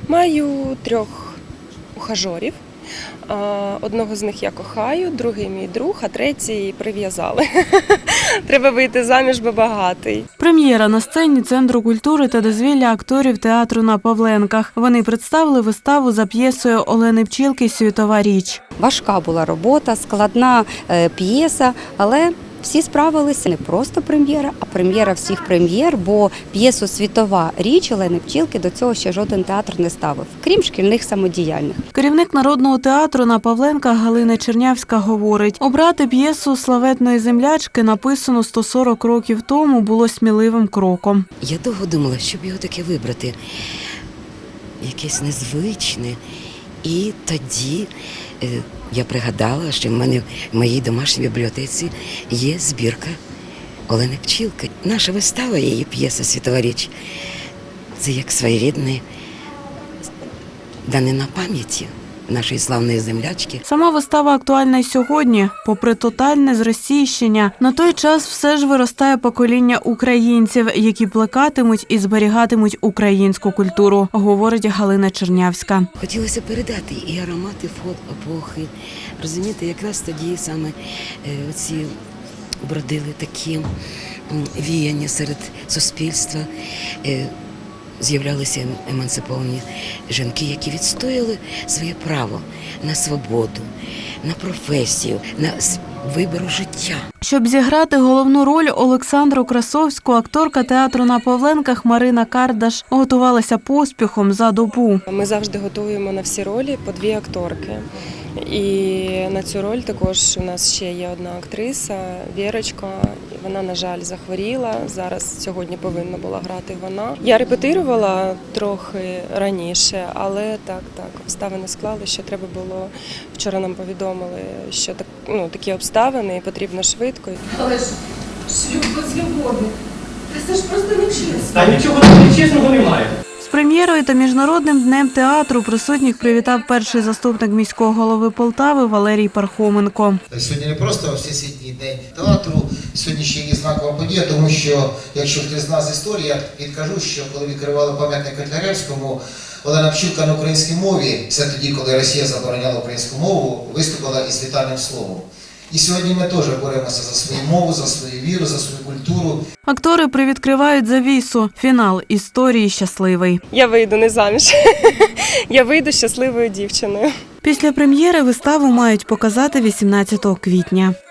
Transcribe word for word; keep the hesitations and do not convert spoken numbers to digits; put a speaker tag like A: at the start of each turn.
A: Маю трьох ухажорів. Одного з них я кохаю, другий мій друг, а третій прив'язали. Треба вийти заміж, бо багатий.
B: Прем'єра на сцені Центру культури та дозвілля акторів театру на Павленках. Вони представили виставу за п'єсою Олени Пчілки «Світова річ».
C: Важка була робота, складна п'єса, але всі справилися. Не просто прем'єра, а прем'єра всіх прем'єр, бо п'єсу «Світова річ» Олени Пчілки до цього ще жоден театр не ставив, крім шкільних самодіяльних.
B: Керівник Народного театру на Павленках Галина Чернявська говорить, обрати п'єсу славетної землячки, написану сто сорок років тому, було сміливим кроком.
D: Я довго думала, щоб його таке вибрати, якесь незвичне. І тоді я пригадала, що в мене в моїй домашній бібліотеці є збірка Олени Пчілки. Наша вистава, її п'єса «Світова річ» – це як своєрідне данина пам'яті нашої славної землячки.
B: Сама вистава актуальна й сьогодні. Попри тотальне зросійщення, на той час все ж виростає покоління українців, які плекатимуть і зберігатимуть українську культуру, говорить Галина Чернявська.
D: Хотілося передати і аромати епохи. Розумієте, якраз тоді саме ці бродили такі віяння серед суспільства. З'являлися емансиповані жінки, які відстояли своє право на свободу, на професію, на вибір життя.
B: Щоб зіграти головну роль Олександру Красовську, акторка театру на Павленках Марина Кардаш готувалася поспіхом за добу.
A: Ми завжди готуємо на всі ролі по дві акторки. І на цю роль також у нас ще є одна актриса, Вірочка. Вона, на жаль, захворіла. Зараз сьогодні повинна була грати вона. Я репетирувала трохи раніше, але так, так, обставини склали, що треба було. Вчора нам повідомили, що так, ну, такі обставини і потрібно швидко.
E: Але ж шлюб без любові. Та це ж просто нечесно.
F: Та нічого нечесного немає.
B: З прем'єрою та Міжнародним днем театру присутніх привітав перший заступник міського голови Полтави Валерій Пархоменко.
G: Сьогодні не просто Всесвітній день театру, сьогодні ще є знакова подія, тому що, якщо хтось знає з історії, я підкажу, що коли відкривали пам'ятник Котляревському, Олена Пчілка на українській мові, це тоді, коли Росія забороняла українську мову, виступила із вітальним словом. І сьогодні ми теж боремося за свою мову, за свою віру, за свою культуру.
B: Актори привідкривають завісу. Фінал історії щасливий.
A: Я вийду не заміж. Я вийду щасливою дівчиною.
B: Після прем'єри виставу мають показати вісімнадцятого квітня.